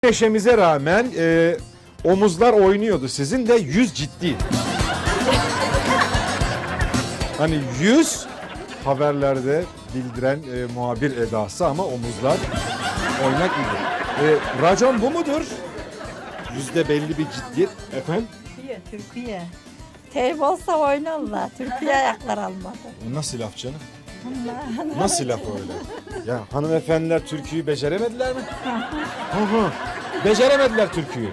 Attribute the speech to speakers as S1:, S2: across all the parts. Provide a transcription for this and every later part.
S1: Neşemize rağmen omuzlar oynuyordu. Sizin de yüz ciddi. Hani yüz haberlerde bildiren muhabir edası ama omuzlar oynak idi. Racon bu mudur? Yüzde belli bir ciddiyet. Efendim?
S2: Türkiye. Teyp olsa oynarlar. Türkiye ayaklar almadı.
S1: Nasıl laf canım? Nasıl laf öyle? Ya hanımefendiler türküyü beceremediler mi? Beceremediler türküyü.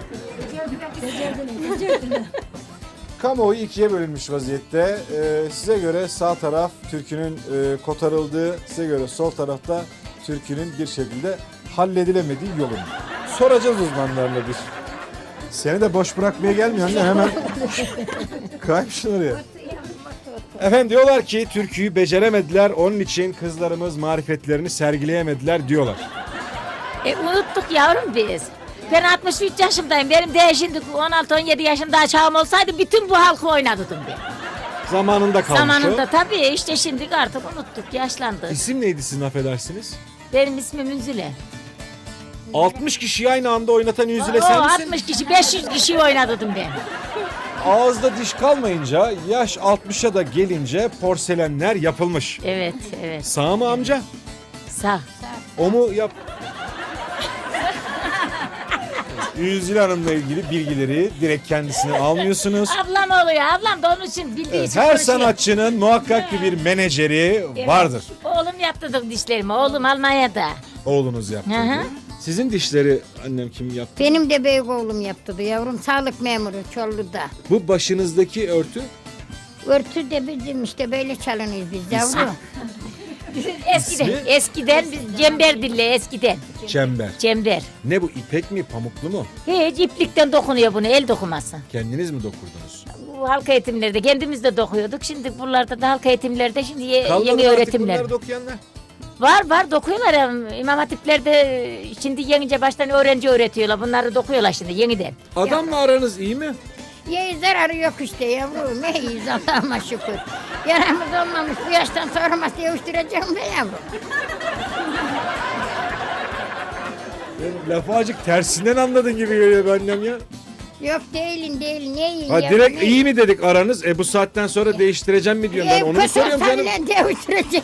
S1: Kamuoyu ikiye bölünmüş vaziyette. Size göre sağ taraf türkünün kotarıldığı, size göre sol tarafta türkünün bir şekilde halledilemediği yolun. Soracağız uzmanlarla bir. Seni de boş bırakmaya gelmiyor anne, hemen kaymışsın oraya. Efendim diyorlar ki türküyü beceremediler, onun için kızlarımız marifetlerini sergileyemediler diyorlar.
S3: Unuttuk yavrum biz. Ben 63 yaşındayım. Benim de şimdi 16-17 yaşında çağım olsaydı bütün bu halkı oynatırdım ben.
S1: Zamanında kalmış
S3: Zamanında
S1: o.
S3: tabii işte şimdi artık unuttuk, yaşlandık.
S1: İsim neydi sizin, affedersiniz?
S3: Benim ismim Ünzüle.
S1: 60 kişiyi aynı anda oynatan Yüzüle
S3: O
S1: sen misin?
S3: 60 kişi, 500 kişiyi oynatırdım ben.
S1: Ağızda diş kalmayınca, yaş 60'a da gelince porselenler yapılmış.
S3: Evet, evet.
S1: Sağ mı amca?
S3: Sağ.
S1: O mu yap? Yüzüle Hanım'la ilgili bilgileri direkt kendisine almıyorsunuz.
S3: Ablam oluyor. Ablam da onun için bildiği için
S1: Her
S3: konuşuyor.
S1: sanatçının muhakkak ki bir menajeri
S3: Evet.
S1: vardır.
S3: Oğlum yaptırdı dişlerimi. Oğlum Almanya'da.
S1: Oğlunuz yaptırdı.
S3: Hı hı.
S1: Sizin dişleri annem kim yaptı?
S4: Benim de büyük oğlum yaptırdı yavrum. Sağlık memuru Çorlu'da.
S1: Bu başınızdaki örtü
S4: Örtü de bizim işte böyle çalınıyoruz biz yavrum.
S3: Eskiden,
S1: İsmi?
S3: eskiden biz cember dille eskiden.
S1: çember.
S3: Cember.
S1: Ne bu, ipek mi, pamuklu mu?
S3: Hiç iplikten dokunuyor bunu, el dokuması.
S1: Kendiniz mi dokurdunuz?
S3: Bu halk eğitimlerde kendimiz de dokuyorduk. Şimdi buralarda da halk eğitimlerde şimdi
S1: Kalmadı
S3: yeni
S1: artık
S3: öğretimler.
S1: bunları dokuyanlar.
S3: Var dokuyorlar ya. İmam Hatiplerde şimdi yenince baştan öğrenci öğretiyorlar. Bunları dokuyorlar şimdi yeniden.
S1: Adamla aranız iyi mi?
S4: Ye zararı yok işte yavrum. Ne iyiyiz Allah'ıma şükür. Yaramız olmamış bu yaştan sonra masaya uyuşturacağım be yavrum.
S1: Lafı acık tersinden anladın gibi geliyor be annem ya.
S4: Yok değilin değil ne iyi
S1: Ha,
S4: yavrum.
S1: direkt
S4: ne
S1: iyi mi dedik aranız? Bu saatten sonra değiştireceğim mi diyorum ben, onu mu soruyorum canım?
S4: Kötü olsa bile değiştireceğim.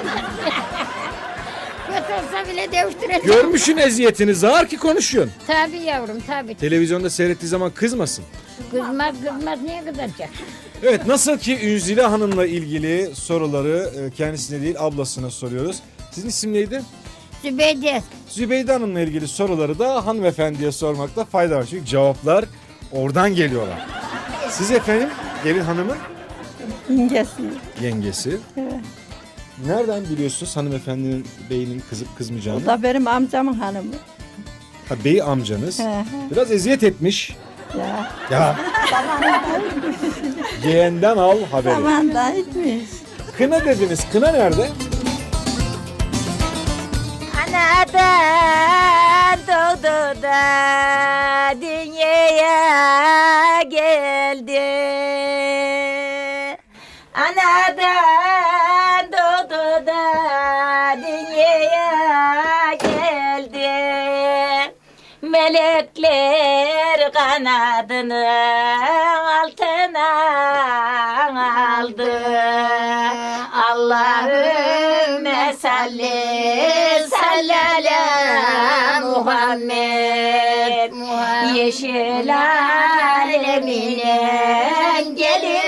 S4: Kötü olsa bile değiştireceğim.
S1: Görmüşün eziyetini, zar ki konuşuyorsun.
S4: Tabii yavrum tabii.
S1: Televizyonda seyrettiği zaman kızmasın.
S4: Kızmaz niye kızacak?
S1: Evet, nasıl ki Ünzile Hanım'la ilgili soruları kendisine değil ablasına soruyoruz. Sizin isim neydi?
S4: Zübeyde.
S1: Zübeyde Hanım'la ilgili soruları da hanımefendiye sormakta fayda var. Çünkü cevaplar oradan geliyorlar. Siz efendim gelin hanımın
S2: İngesi.
S1: yengesi.
S2: Evet.
S1: Nereden biliyorsunuz hanımefendinin beyinin kızıp
S2: O
S1: kızmayacağını?
S2: da benim amcamın hanımı.
S1: Ha, bey amcanız.
S2: Hı hı.
S1: Biraz eziyet etmiş.
S2: Ya.
S1: Ya. Yeğenden al haberi.
S2: Aman da etmiş.
S1: Kına dediniz. Kına nerede?
S3: Anadan doğdu da dünyaya geldi. Anadan doğdu da dünyaya geldi. Melekler kanadını altına aldı. Allahümme salli ala Muhammed. Yeşil alemine gelir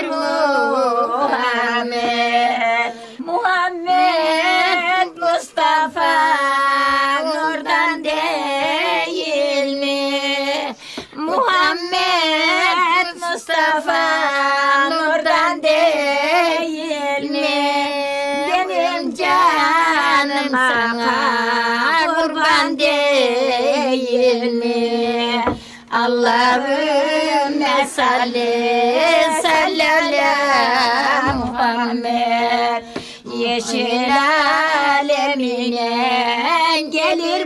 S3: Muhammed. Muhammed Mustafa nurdan değil mi? Muhammed Mustafa nurdan değil mi? Benim canım sana kurban değil mi? Allahümme salli ala Muhammed. Yeşil alemine gelir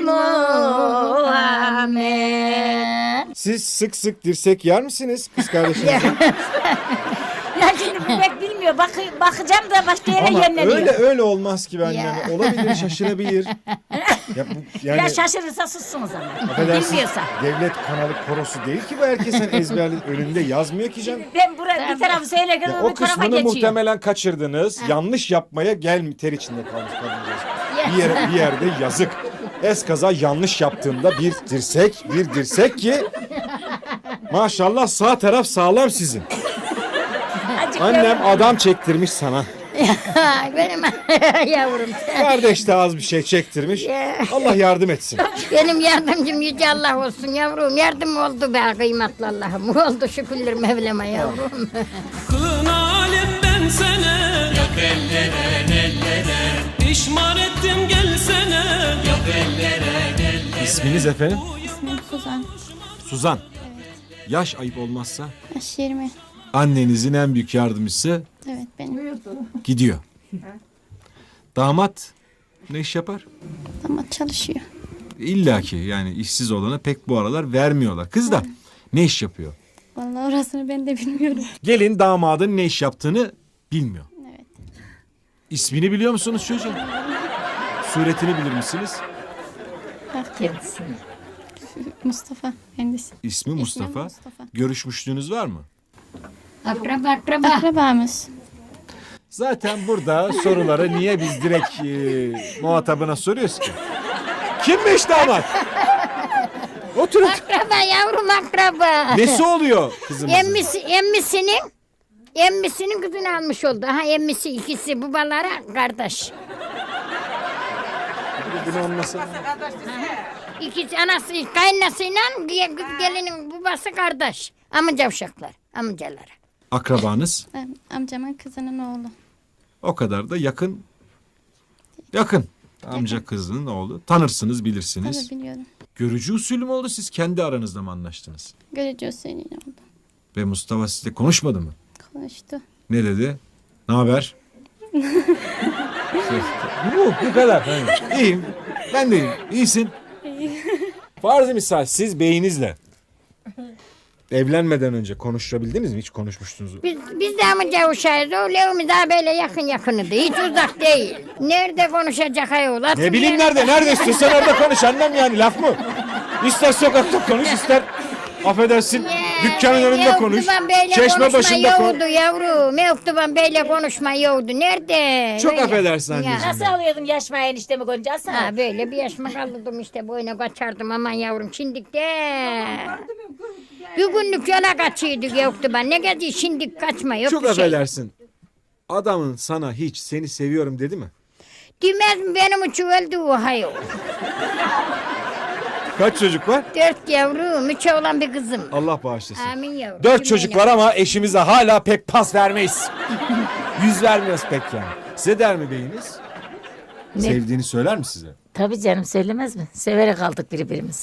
S3: Muhammed.
S1: Siz sık sık dirsek yer misiniz kız kardeşinizle?
S3: Ya şimdi bu pek bilmiyor diyor. Bakacağım da başka yere
S1: Ama
S3: yönleniyor.
S1: öyle olmaz ki bence.
S4: Ya.
S1: Olabilir, şaşırabilir. Ya bu, yani
S3: Ya şaşırırsa sussun o zaman.
S1: affedersin,
S3: Bilmiyorsa.
S1: devlet kanalı korosu değil ki bu, herkesin ezberli önünde yazmıyor ki canım.
S3: Ben buraya bir tarafı söylerken
S1: Ya
S3: o
S1: o
S3: bir tarafa
S1: kısmını
S3: geçiyor.
S1: muhtemelen kaçırdınız. Yanlış yapmaya ter içinde kalmış kadıncağız. Bir yerde yazık. Eskaza yanlış yaptığında bir dirsek ki maşallah sağ taraf sağlam sizin.
S3: Azıcık
S1: Annem adam çektirmiş sana.
S4: Benim yavrum.
S1: Kardeş de az bir şey çektirmiş. Allah yardım etsin.
S4: Benim yardımcım Yüce Allah olsun yavrum. Yardım oldu be kıymetli Allah'ım. Oldu şükürler Mevlam'a yavrum.
S5: Kılın alim ben sene. Yak ellere pişman ettim gelsene. Yak ellere.
S1: İsminiz efendim?
S6: İsmim Suzan.
S1: Suzan. Yaş ayıp olmazsa.
S6: Yaş 20.
S1: Annenizin en büyük yardımcısı
S6: Evet benim.
S1: gidiyor. Damat ne iş yapar?
S6: Ama çalışıyor.
S1: İlla ki yani işsiz olana pek bu aralar vermiyorlar. Kız da ne iş yapıyor?
S6: Vallahi orasını ben de bilmiyorum.
S1: Gelin damadın ne iş yaptığını bilmiyor.
S6: Evet.
S1: İsmini biliyor musunuz çocuğun? Suretini bilir misiniz?
S3: Kendisi.
S6: Mustafa kendisi.
S1: İsmi Mustafa.
S6: Mustafa.
S1: Görüşmüşlüğünüz var mı?
S4: Akraba.
S6: Akrabamız.
S1: Zaten burada soruları niye biz direkt muhatabına soruyoruz ki? Kimmiş damat? Oturun.
S4: Akraba yavrum akraba.
S1: Nesi oluyor kızımızın?
S4: Emmisinin kızını almış oldu. Ha emmisi ikisi babalara kardeş.
S1: Bunu anlasana.
S4: İkisi anası kaynasıyla kız gelinin babası kardeş. Amca uşaklar, amcaları.
S1: Akrabanız
S6: Amcamın kızının oğlu.
S1: o kadar da yakın. Yakın. Amca kızının oğlu. Tanırsınız, bilirsiniz.
S6: Tabii biliyorum.
S1: Görücü usulü mü oldu, siz kendi aranızda mı anlaştınız?
S6: Görücü usulüyle oldu.
S1: Ve Mustafa sizle konuşmadı mı?
S6: Konuştu.
S1: Ne dedi? Ne haber? Bu kadar. Yani. İyiyim. Ben de iyiyim. İyisin. Farz-ı misal siz beyinizle evlenmeden önce konuşabildiniz mi? Hiç konuşmuştunuz.
S4: Biz de amca uşağıyız. O levimiz daha böyle yakınıydı. Hiç uzak değil. Nerede konuşacak ayol?
S1: Ne bileyim nerede? Nerede istiyorsan orada konuş. Annem yani laf mı? İster sokakta konuş, ister affedersin dükkanın önünde konuş. Çeşme başında konuş.
S4: Yavrum. Mektuban böyle konuşma yoktu. Nerede?
S1: Çok
S4: Böyle.
S1: affedersin
S4: Ya.
S1: anneciğim.
S3: Nasıl alıyordun yaşma eniştemi gonca sana?
S4: Ha böyle bir yaşıma kaldım işte boyuna kaçardım aman yavrum şimdik de. Bir günlük yola kaçıyorduk yoktu ben. Ne geziyor şimdik kaçma yok
S1: Çok
S4: bir şey.
S1: affedersin. Adamın sana hiç seni seviyorum dedi mi?
S4: Demez mi benim için öldü o hayol.
S1: Kaç çocuk var?
S4: 4 yavrum 3 oğlan bir kızım.
S1: Allah bağışlasın.
S4: Amin yavrum.
S1: 4 çocuk var ama eşimize hala pek pas vermeyiz. Yüz vermiyoruz pek yani. Size der mi beyiniz? Sevdiğini söyler mi size?
S3: Tabii canım söylemez mi? Severek kaldık birbirimizi.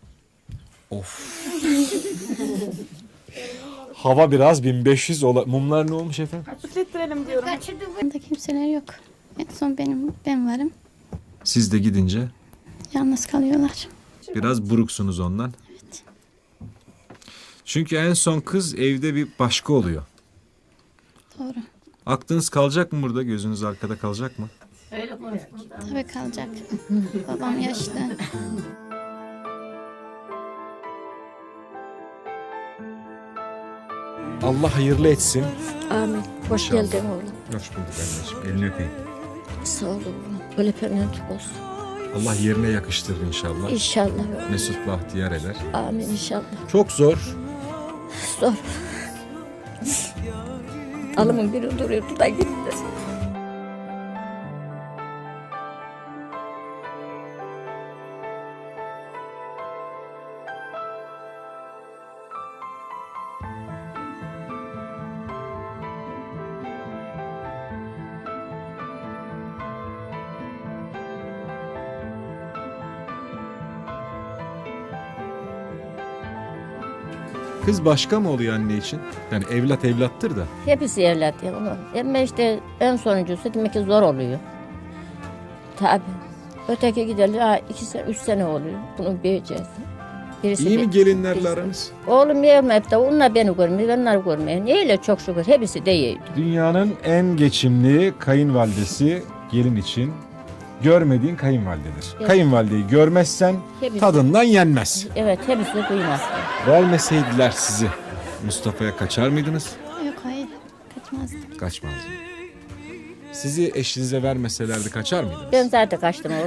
S1: Hava biraz 1500 mumlar ne olmuş efendim?
S6: Yanında kimseler yok. En son ben varım.
S1: Siz de gidince
S6: Yalnız kalıyorlar.
S1: biraz buruksunuz ondan.
S6: Evet.
S1: Çünkü en son kız evde bir başka oluyor.
S6: Doğru.
S1: Aklınız kalacak mı burada? Gözünüz arkada kalacak mı?
S6: Tabii kalacak. Babam yaşlı.
S1: Allah hayırlı etsin.
S7: Amin. Hoş
S1: İnşallah.
S7: geldin oğlum.
S1: Hoş bulduk anneciğim. Elini öpeyim.
S7: Sağ ol oğlum. Böyle pernentik olsun.
S1: Allah yerine yakıştırır inşallah.
S7: İnşallah oğlum.
S1: Mesut bahtiyar eder.
S7: Amin inşallah.
S1: Çok zor.
S7: Zor. Alımın biri duruyordu da gitti.
S1: Kız başka mı oluyor anne için? Yani evlat evlattır da.
S7: Hepsi evlat ya ama. Ama işte en sonuncusu demek ki zor oluyor. Tabii. Öteki gidelim 2 sene 3 sene oluyor. Bunu büyüyeceğiz. Birisi
S8: İyi mi
S7: bir-
S8: gelinlerle
S7: birisi-
S8: aranız?
S7: Oğlum yeğenim hep de onlar beni görmüyor, ben onları görmüyor. Neyle çok şükür hepsi de iyiydi.
S1: Dünyanın en geçimli kayınvalidesi gelin için görmediğin kayınvalidedir.
S7: Evet.
S1: Kayınvalideyi görmezsen
S7: Hepsi-
S1: tadından yenmez.
S7: Evet hepsi de duymaz.
S1: Vermeseydiler sizi Mustafa'ya kaçar mıydınız?
S6: Yok hayır. Kaçmazdım.
S1: Kaçmazdınız. Sizi eşinize vermeselerdi kaçar mıydınız?
S7: Ben zaten kaçtım oğlum.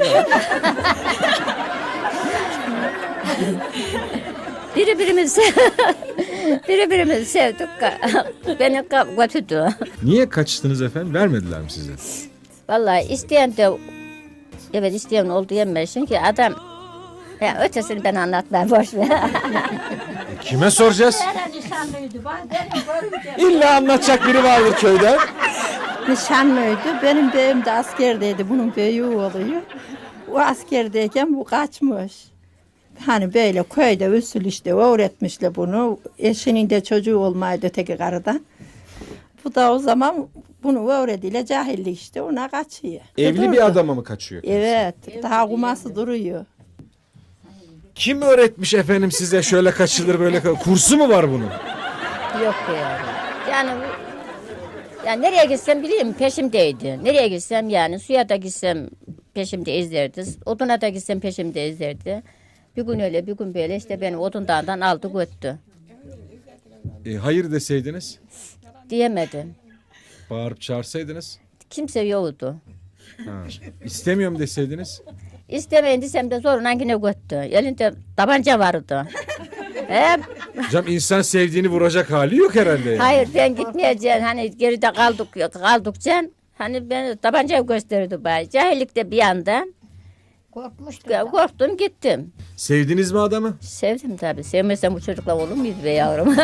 S7: Birbirimizi sevdik. Beni götürdü.
S1: Niye kaçtınız efendim? Vermediler mi size?
S7: Vallahi isteyen de evet isteyen oldu yemez. Çünkü adam ya ötesini ben anlatmam boş ver.
S1: Kime soracağız?
S2: Nişanlıydı. Benim görümce
S1: İlla anlatacak biri vardır köyde.
S2: nişanlıydı. Benim beyim de askerdeydi. Bunun beyi oluyor. O askerdeyken bu kaçmış. Hani böyle köyde usul işte öğretmişler bunu. Eşinin de çocuğu olmaydı öteki karıdan. Bu da o zaman bunu öğretiyle cahillik işte ona kaçıyor.
S1: Evli
S2: Durdu.
S1: bir adama mı kaçıyor?
S2: Evet. Daha kuması duruyor.
S1: Kim öğretmiş efendim size şöyle kaçılır böyle kursu mu var bunun?
S7: Yok ya. Yani yani nereye gitsem bileyim peşimdeydi. Nereye gitsem yani suya da gitsem peşimde izlerdi. Oduna da gitsem peşimde izlerdi. Bir gün öyle bir gün böyle işte beni odun dağından aldı götürdü.
S1: Hayır deseydiniz,
S7: Diyemedim.
S1: bağırıp çağırsaydınız,
S7: Kimse yoktu.
S1: istemiyorum deseydiniz.
S7: İstemeyin desem de zorla yine götürdü. Elinde tabanca vardı. Hep,
S1: Hocam insan sevdiğini vuracak hali yok herhalde. Yani.
S7: hayır ben gitmeyeceğim. Hani geride kaldıkça hani ben tabancayı gösterdi bana. Cahillikte bir anda
S4: Korkmuştum. da.
S7: korktum gittim.
S1: Sevdiniz mi adamı?
S7: Sevdim tabii. Sevmesem bu çocukla olur muydu be yavrum?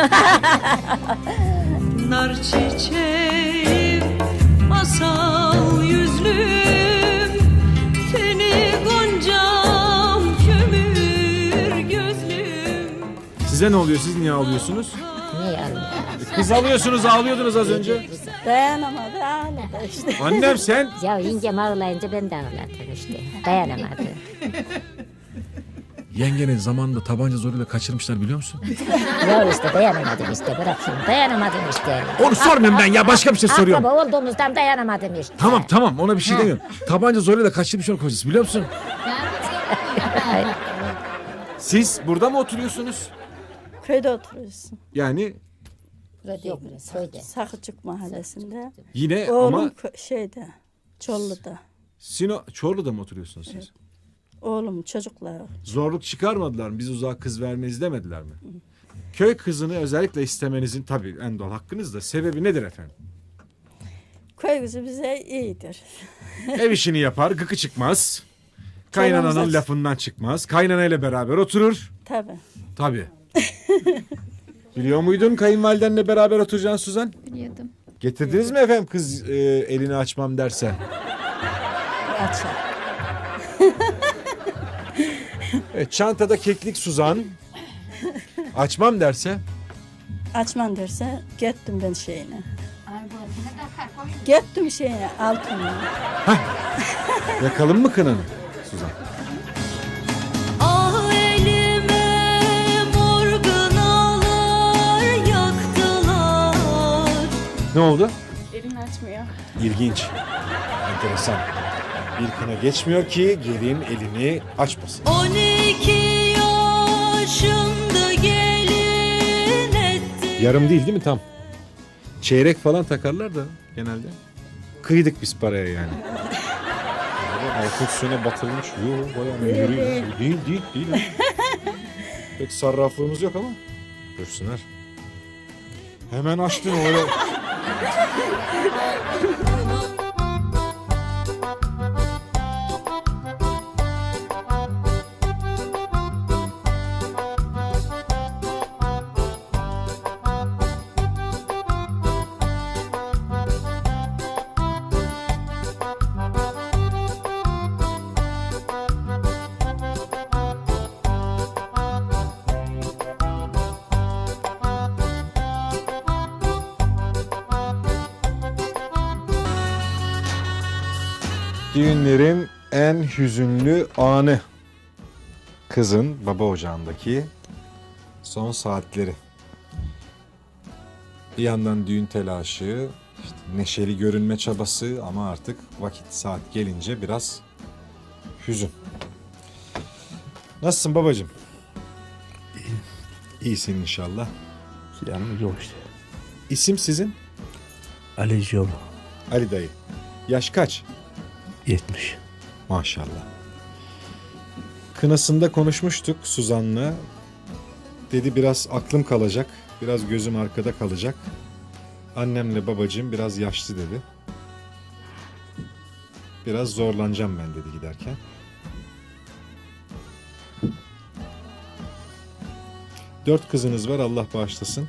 S5: Nar çiçeğim, asal yüzlüm, teni goncam, kömür gözlüm.
S1: Size ne oluyor? Siz niye ağlıyorsunuz?
S7: Ne yavrum?
S1: Kız alıyorsunuz, ağlıyordunuz az önce.
S2: Dayanamadı ağladı işte.
S1: Annem sen.
S7: Ya yengem ağlayınca ben de ağladım işte. Dayanamadım.
S1: Yengenin zamanında tabanca zoruyla kaçırmışlar biliyor musun?
S7: Ya işte dayanamadım işte. Bırak şimdi. Dayanamadım işte.
S1: Onu sormuyorum ben ya, başka bir şey soruyorum.
S7: Akraba olduğumuzdan dayanamadım işte.
S1: Tamam ona bir şey demiyorum. Tabanca zoruyla kaçırmış onun kocası biliyor musun? Siz burada mı oturuyorsunuz?
S2: Köyde oturuyorsun.
S1: Yani
S7: Yok, söyle.
S2: Sakıcık mahallesinde.
S1: yine
S2: Oğlum
S1: ama
S2: şeyde, Çollu'da.
S1: Çorlu'da mı oturuyorsunuz siz?
S2: Oğlum çocuklar.
S1: Zorluk çıkarmadılar mı? Biz uzağa kız vermeyiz demediler mi? Köy kızını özellikle istemenizin tabii en doğal hakkınız da sebebi nedir efendim?
S2: Köy kızı bize iyidir.
S1: Ev işini yapar, gıkı çıkmaz. Kaynananın
S2: Çorum'da-
S1: lafından çıkmaz. Kaynanayla beraber oturur.
S2: Tabii.
S1: Tabii. Biliyor muydun kayınvalidenle beraber oturacaksın Suzan?
S6: Biliyordum.
S1: Getirdiniz mi efendim kız elini açmam derse?
S2: Açar.
S1: Evet, çantada keklik Suzan. Açmam derse?
S2: Açman derse gittim ben şeyine. Gittim şeyine altına.
S1: Yakalım mı kınanı Suzan?
S5: Ah elime mor gınalar yaktılar.
S1: Ne oldu?
S6: Elini açmıyor.
S1: İlginç. Enteresan. Bir kına geçmiyor ki gelin elini açmasın.
S5: 12 yaşımda gelin etti.
S1: Yarım değil mi tam? Çeyrek falan takarlar da genelde. Kıydık biz paraya yani. Altın üstüne batırılmış. Yok bayağı mühürü. Değil. Pek sarraflığımız yok ama. Görsünler. Hemen açtın öyle. Düğünlerin en hüzünlü anı. Kızın baba ocağındaki Son saatleri. Bir yandan düğün telaşı, işte neşeli görünme çabası ama artık vakit saat gelince biraz hüzün. Nasılsın babacığım? İyisin inşallah.
S8: Yanımız yok işte.
S1: İsim sizin?
S8: Ali Yolu.
S1: Ali dayı. Yaş kaç?
S8: 70.
S1: Maşallah. Kınasında konuşmuştuk Suzan'la. Dedi biraz aklım kalacak, biraz gözüm arkada kalacak. Annemle babacığım biraz yaşlı dedi. Biraz zorlanacağım ben dedi giderken. Dört kızınız var, Allah bağışlasın.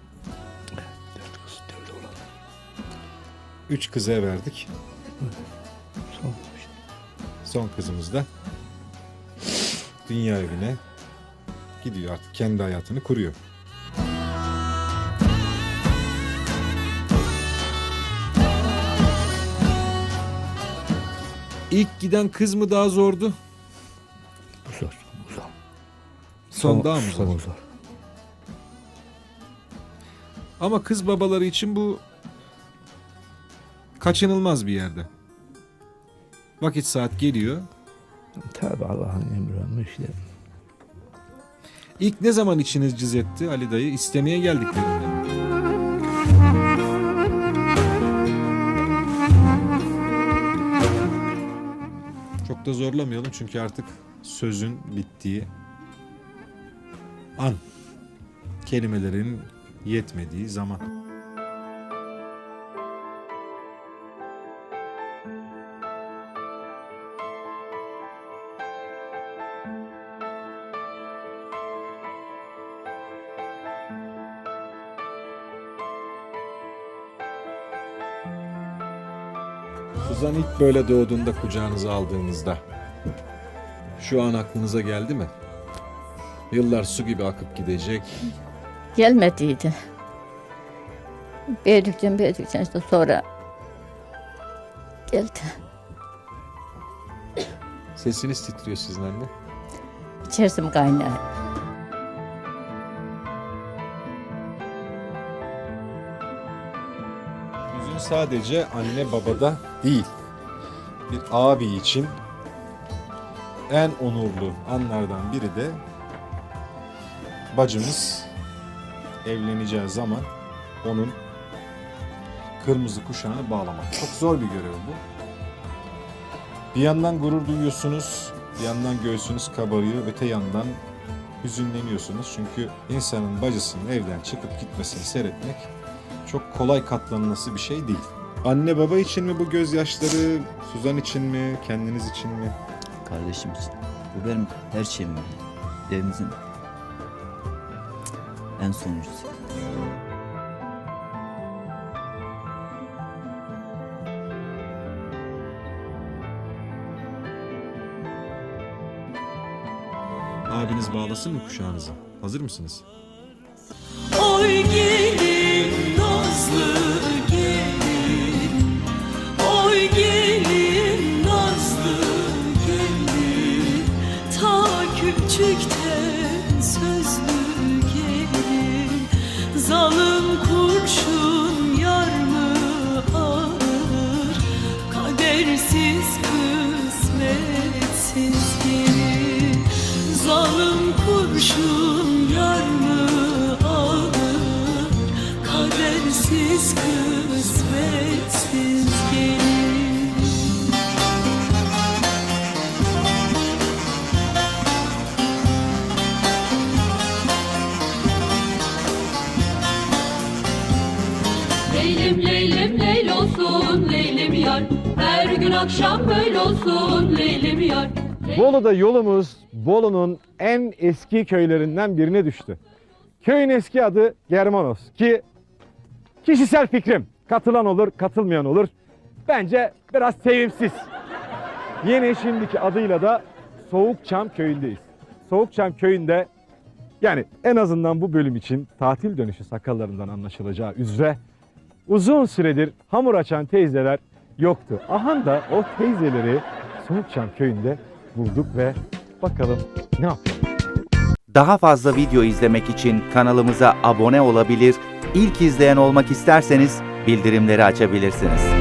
S8: 4 kız 4 oğlan.
S1: 3 kıza verdik.
S8: Son işte.
S1: Son kızımız da dünya evine gidiyor, artık kendi hayatını kuruyor. İlk giden kız mı daha zordu?
S8: Bu zor. Bu zor.
S1: Son daha mı zor?
S8: Son zor.
S1: Ama kız babaları için bu kaçınılmaz bir yerde. Vakit saat geliyor.
S8: Tabi Allah'ın emri işte.
S1: İlk ne zaman içiniz cız etti Ali dayı? İstemeye geldiklerinde. Çok da zorlamayalım çünkü artık sözün bittiği an. Kelimelerin yetmediği zaman. Suzan ilk böyle doğduğunda kucağınıza aldığınızda şu an aklınıza geldi mi? Yıllar su gibi akıp gidecek.
S7: Gelmediydi. Büyüdükçe işte sonra geldi.
S1: Sesiniz titriyor sizin anne.
S7: İçersim kaynar.
S1: Hüzün sadece anne babada değil. Bir abi için en onurlu anlardan biri de bacımız evleneceği zaman onun kırmızı kuşağını bağlamak. Çok zor bir görev bu. Bir yandan gurur duyuyorsunuz, bir yandan göğsünüz kabarıyor, öte yandan hüzünleniyorsunuz. Çünkü insanın bacısının evden çıkıp gitmesini seyretmek çok kolay katlanılması bir şey değil. Anne baba için mi bu gözyaşları, Suzan için mi, kendiniz için mi?
S9: Kardeşim için. Bu benim her şeyim. Evimizin en sonuncusu.
S1: Abiniz bağlasın mı kuşağınızı? Hazır mısınız?
S5: Oy gelin nazlı gelin, oy gelin nazlı gelin, ta küçükten sözlü gelin, zalim kurşun yar mı alır, kadersiz kısmetsiz gelin, zalim kurşun yar mı alır, kadersiz kısmetsiz gelin. Leylim leylim leyl olsun leylim yar, her gün akşam böyle olsun leylim yar.
S1: Bolu'da yolumuz Bolu'nun en eski köylerinden birine düştü. Köyün eski adı Germanos ki kişisel fikrim, katılan olur katılmayan olur. Bence biraz sevimsiz. Yeni şimdiki adıyla da Soğukçam köyündeyiz. Soğukçam köyünde yani en azından bu bölüm için tatil dönüşü sakallarından anlaşılacağı üzere uzun süredir hamur açan teyzeler yoktu. Aha da o teyzeleri Soğukçam köyünde bulduk ve bakalım ne yapalım.
S10: Daha fazla video izlemek için kanalımıza abone olabilir, ilk izleyen olmak isterseniz bildirimleri açabilirsiniz.